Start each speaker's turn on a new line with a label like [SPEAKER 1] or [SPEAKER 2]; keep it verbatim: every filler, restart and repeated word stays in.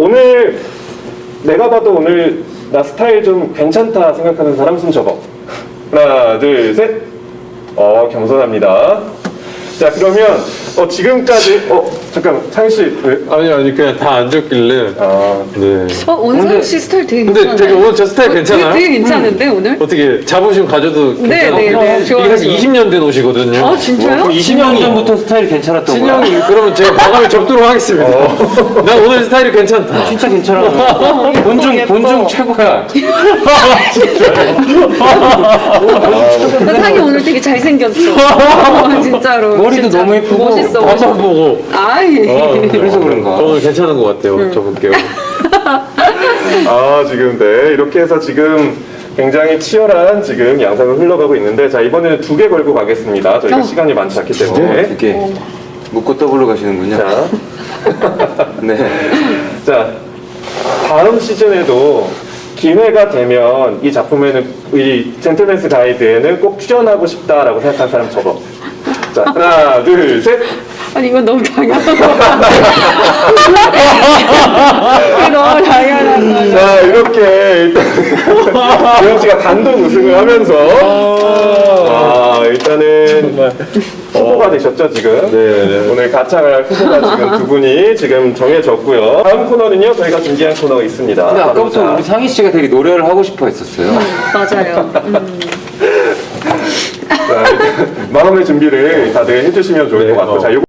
[SPEAKER 1] 오늘 내가 봐도 오늘 나 스타일 좀 괜찮다 생각하는 사람 손 접어. 하나, 둘, 셋. 어, 겸손합니다. 자, 그러면 어, 지금까지 어, 잠깐 창희 씨 왜?
[SPEAKER 2] 아니 아니 그냥 다 앉았길래.
[SPEAKER 1] 아,
[SPEAKER 2] 네.
[SPEAKER 3] 어, 원상 씨 스타일 되게
[SPEAKER 2] 근데
[SPEAKER 3] 괜찮아요.
[SPEAKER 2] 되게 오늘 저 스타일 괜찮아요?
[SPEAKER 3] 되게, 되게 괜찮은데 오늘?
[SPEAKER 2] 어떻게 자부심 가져도
[SPEAKER 3] 네,
[SPEAKER 2] 괜찮아요?
[SPEAKER 3] 네, 네.
[SPEAKER 2] 이게
[SPEAKER 3] 좋아요,
[SPEAKER 2] 사실
[SPEAKER 3] 좋아요.
[SPEAKER 2] 이십 년 된 옷이거든요.
[SPEAKER 3] 아 진짜요?
[SPEAKER 4] 이십 년 전부터 스타일이 괜찮았던 거야.
[SPEAKER 2] 신형이 그러면 제가 마감을 접도록 하겠습니다. 난 오늘 스타일이 괜찮다.
[SPEAKER 4] 진짜 괜찮아. 본중 본중 최고야.
[SPEAKER 3] 상이 오늘 되게 잘생겼어. 어, 진짜로.
[SPEAKER 4] 머리도
[SPEAKER 3] 진짜
[SPEAKER 4] 너무 예쁘고
[SPEAKER 3] 멋있어.
[SPEAKER 2] 봐봐
[SPEAKER 3] 멋있어.
[SPEAKER 2] 보고.
[SPEAKER 3] 아이.
[SPEAKER 4] 그래서 그런가?
[SPEAKER 2] 오늘 괜찮은 것 같아요. 접을게요.
[SPEAKER 1] 아 지금 네 이렇게 해서 지금 굉장히 치열한 지금 양상을 흘러가고 있는데 자 이번에는 두 개 걸고 가겠습니다. 저희가
[SPEAKER 3] 어.
[SPEAKER 1] 시간이 많지 않기 때문에.
[SPEAKER 4] 이렇게 묶고 더블로 가시는군요.
[SPEAKER 1] 자,
[SPEAKER 4] 네.
[SPEAKER 1] 자 다음 시즌에도 기회가 되면 이 작품에는 이 젠틀맨스 가이드에는 꼭 출연하고 싶다라고 생각하는 사람 접어. 자 하나 둘 셋.
[SPEAKER 3] 아니 이건 너무 당연한 거. 이거 너무 당연한 거.
[SPEAKER 1] 자 이렇게 일단 조영 씨가 단독 우승을 하면서 아 일단은 후보가 되셨죠 지금.
[SPEAKER 2] 네.
[SPEAKER 1] 오늘 가창할 후보가 지금 두 분이 지금 정해졌고요. 다음 코너는요 저희가 준비한 코너가 있습니다.
[SPEAKER 4] 근데
[SPEAKER 1] 바로
[SPEAKER 4] 아까부터
[SPEAKER 1] 자,
[SPEAKER 4] 우리 상희 씨가 되게 노래를 하고 싶어 했었어요.
[SPEAKER 3] 맞아요. 음.
[SPEAKER 1] 자, 일단 마음의 준비를 다들 해주시면 좋을 것 같고 자. 요거